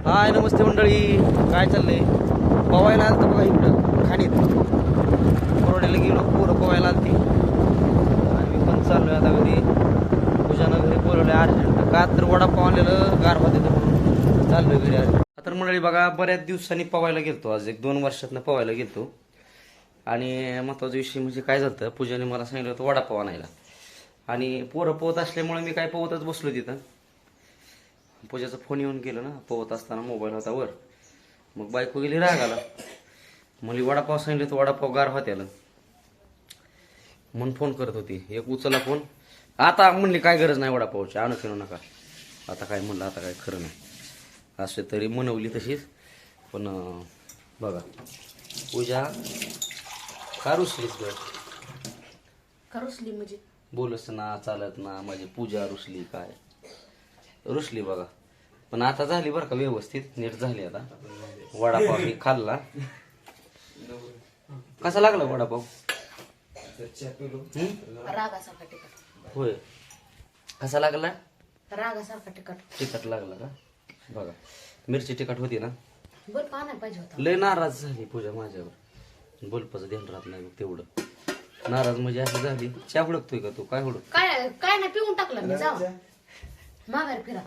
हाय नमस्ते मंडळी, काय चाललंय? पवायला आलतं बघा इकडं खाणीत. कोरड्याला गेलो, पोरं पवायला आलती आणि मी पण चाललोय आता घरी. पूजानं घरी बोलवलं अर्जंट, का तर वडापाव आणलेलं गार होते तर म्हणून चाललोय घरी आज. तर मंडळी बघा, बऱ्याच दिवसांनी पवायला गेलतो. आज 1-2 वर्षातनं पवायला गेलतो. आणि महत्वाचा विषय म्हणजे काय झालं, पूजाने मला सांगितलं होतं वडापाव आणायला. आणि पोरं पोहत असल्यामुळे मी काय पोहतच बसलो तिथं. पूजाचा फोन येऊन गेलो ना, पोहत असताना मोबाईल होता वर. मग बायको गेली रागाला, मला वडापाव सांगितलं तर वडापाव गार होत्याला म्हणून फोन करत होती. एक उचलला फोन, आता म्हणली काय गरज नाही वडापावची, आणू फिरू नका. आता काय म्हणलं, आता काय खरं नाही. असे तरी मनवली तशीच. पण बघा पूजा का रुसलीस ग? का रुसली म्हणजे? बोलस ना, चालत ना, माझी पूजा रुसली काय? रुसली बघा. पण आता झाली बरं का, व्यवस्थित नीट झाली. आता वडापाव मी खाल्ला. कसा लागला वडापाव? रागासारखा तिखट. होय, कसा लागला? रागासारखा तिखट. तिखट लागला का? बघा मिरची तिखट होती ना. बर पाण्यात पाहिजे होता. लय नाराज झाली पूजा माझ्यावर. बल्पाचं ध्यान राहत नाही बघ तेवढं. नाराज म्हणजे अशी झाली. चहा हुडकतोय का तू? काय हुडक? काय काय नाही, पिऊन टाकलं मी. जाऊ माघार फिरा.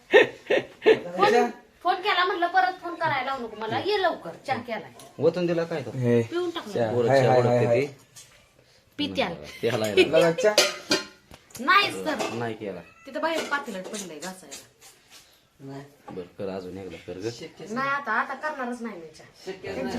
फोन केला म्हटलं, परत फोन करायला लावू नको मला, ये लवकर. चहा केलाय, वतन दिला काय तो? पिऊन टाकलं. पोरं चहा हुडकते ती. पित्याल त्याला नाहीच तर नाही केला. तिथं बाहेर पातेल्यात पडलंय घासायला. बर कर, अजून एकदा कर ग. नाही आता आता करणारच नाही मी चहा.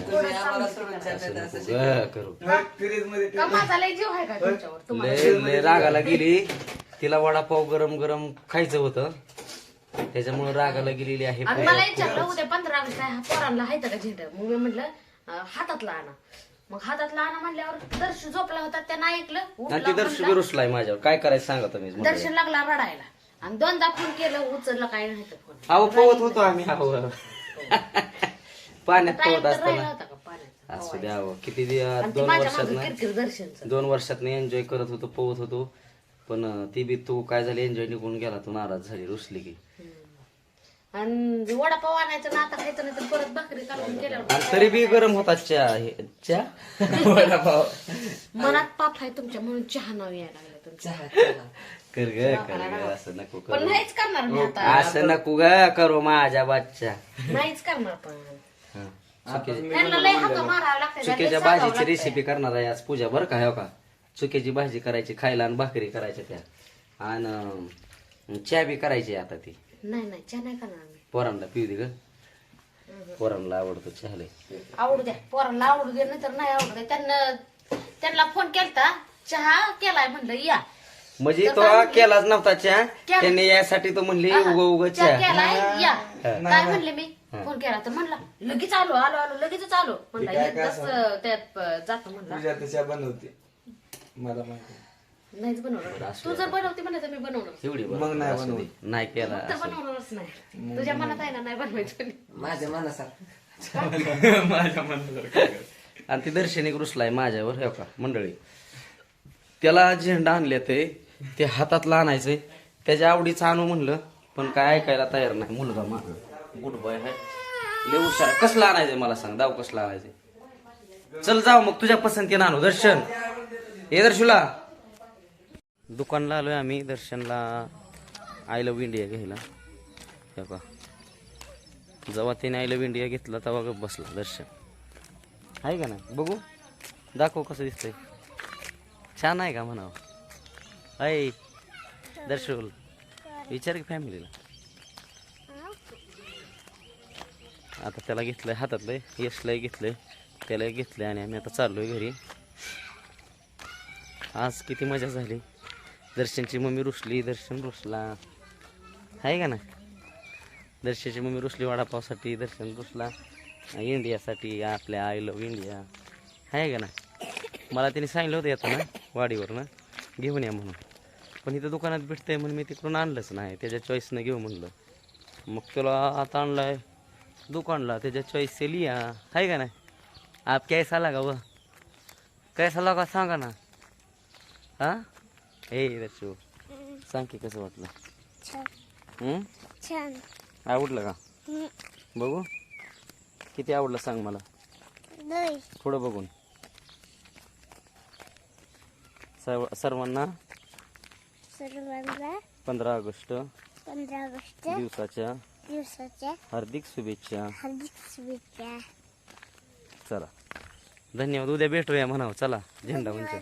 करू. का माझा लय जीव आहे का तुमच्यावर? तुम्हाला लय लय रागाला गेली. तिला वडापाव गरम गरम खायचं होतं, त्याच्यामुळे रागाला गेलेली आहे. आणि मला विचारलं उद्या 15 ऑगस्ट आहे, पोरांना हायतं का झेंडा? मग मी म्हटलं हातातला आणा. मग हातातला आणा म्हणल्यावर दर्श झोपला होता, त्यानं ऐकलं. आणि ती दर्श रुसलाय माझ्यावर. काय करायचं सांगा तुम्ही. दर्शन लागला रडायला आणि 2दा फोन केलं, उचललं काय नाही तर फोन. अहो पोहत होतो आम्ही. अहो पाण्यात पोहत राहिला असताना. होता का पाण्यात? असू द्या अहो, किती आणि ती 2 माझ्या वर्षात मागं किरकिर दर्शनचं. 2 वर्षात एन्जॉय करत होतो, पोहत होतो. पण ती बी तू काय झाली, एन्जॉय निघून गेला. तू नाराज झाली, रुसली की. आणि वडापाव आणायचं ना, आता खायचं नाही तर परत भाकरी काढून केल्यावर आणि तरी बी गरम होता चहा वडापाव. मनात पाप आहे तुमच्या म्हणून चहा नाव यायला लागलं तुमच्या. कर ग, कर ग, असं नको पण करू. नाहीच करणार मी आता. असं नको ग करू माझ्या बादच्या. नाहीच करणार. पण हा. त्यांना लय हाका मारावं लागतं. चुक्याच्या भाजीची रेसिपी करणार आहे आज पूजा बरं का. हो का, चुक्याची भाजी करायची खायला आणि भाकरी करायच्या त्या. आणि चहा बी करायची आता ती. नाही नाही चहा नाही करणार मी. पोरांना पिऊ दे ग, पोरांना आवडतो चहा लय. आवडू द्या, पोरांना आवडू दे, नाही तर नाही आवडू दे. त्यांना फोन केलता, चहा केलाय म्हणलं या. म्हणजे तो केलाच नव्हता चहा, त्याने यासाठी तो म्हणली उग चहा चहा. केलाय या. काय म्हणले मी? फोन केला तर म्हणला लगेच आलो आलो आलो लगेच आलो म्हणला. एकदाच त्यात जातो म्हणला. बनवते मला माहिती नाहीच बनवणार. तू जर बनवते म्हणलं तर मी बनवणार. एवढी मग नाही असू दे. नाही केला तर बनवणारच नाही. तुझ्या मनात आहे ना, नाही बनवायचं. माझ्या मनासारखं. आणि ती दर्शनिक रुसलाय माझ्यावर. हो का मंडळी, त्याला झेंडा आणले ते हातातला आणायचंय, त्याच्या आवडीचं आणू म्हणलं, पण काय ऐकायला तयार नाही. मुलगा माझा गुड बॉय आहे, लय हुशार आहे. कसला आणायचंय मला सांग, दाव कसला आणायचंय? चल जाऊ मग, तुझ्या पसंतीनं आणू. दर्शन ये, दर्शुला दुकानला आलोय आम्ही. दर्शनला आय लव्ह इंडिया घ्यायला. हो का, जेव्हा त्याने आय लव्ह इंडिया घेतला तेव्हा गप बसला दर्शन. आहे का नाही? बघू, दाखव कसं दिसतंय. छान आहे का म्हणावं? ऐ दर्शुल, विचार की फॅमिलीला. आता त्याला घेतलंय हातातलंय, यशलाही घेतलंय, त्यालाही घेतलंय आणि आम्ही आता चाललोय घरी. आज किती मजा झाली. दर्शनची मम्मी रुसली, दर्शन रुसला. आहे का ना? दर्शनची मम्मी रुसली वडापावसाठी, दर्शन रुसला इंडियासाठी, आपल्या आय लव्ह इंडिया. आहे का ना? मला त्याने सांगितलं होतं येतं ना वाडीवरनं घेऊन या म्हणून, पण इथं दुकानात भेटतंय म्हणून मी तिकडून आणलंच नाही. त्याच्या चॉईसनं घेऊ म्हणलं. मग तुला आता आणलाय दुकानला, त्याच्या चॉईस से लिया. आहे का नाही? आप कैसा लगा व, कैसा लगा सांगा ना. हा ए दर्शू, सांग की कसं वाटलं? छान. आवडलं का? बघू किती आवडलं सांग मला. थोडं बघून. सर्वांना 15 ऑगस्ट दिवसाच्या हार्दिक शुभेच्छा. चला धन्यवाद. उद्या भेटूया म्हणावं. चला झेंडा म्हणजे.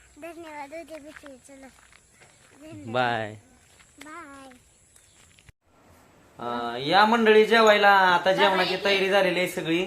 बाय. या मंडळी जेवायला. आता जेवणाची तयारी झालेली आहे सगळी.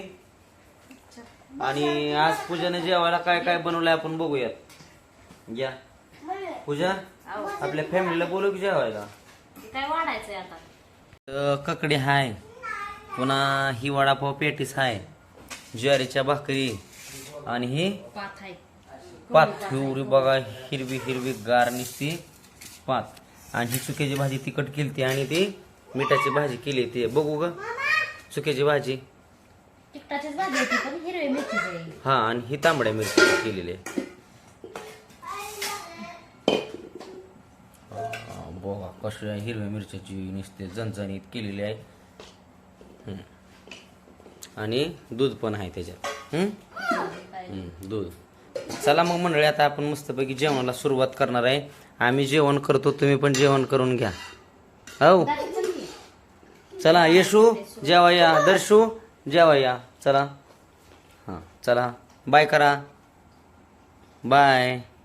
आणि आज पूजाने जेवायला काय काय बनवलंय आपण बघूयात. या पूजा आपल्या फॅमिलीला बोलू की जेवायला. काय वाढायचंय आता. ककडी हाय, पुन्हा ही वडापाव पेटीस हाय, ज्वारीच्या भाकरी आणि ही पात आहे. पात बघा हिरवी हिरवी गार निसती पात. आणि ही चुक्याची भाजी तिखट केली आणि ती मिठाची भाजी केली. ते बघू ग चुक्याची भाजी. तिखटाचीच भाजी होती पण हिरवी मिरची आहे. हा आणि ही तांबड्या मिरची केलेली आहे. बघा कशा हिरव्या मिरच्याची नुसते झणझणीत केलेली आहे. आणि दूध पण आहे त्याच्यात. दूध. चला मग मंडळी आता आपण मस्तपैकी जेवणाला सुरुवात करणार आहे. आम्ही जेवण करतो, तुम्ही पण जेवण करून घ्या. हो चला येशू जेवा या, दर्शू जेवा या. चला हां चला बाय करा. बाय.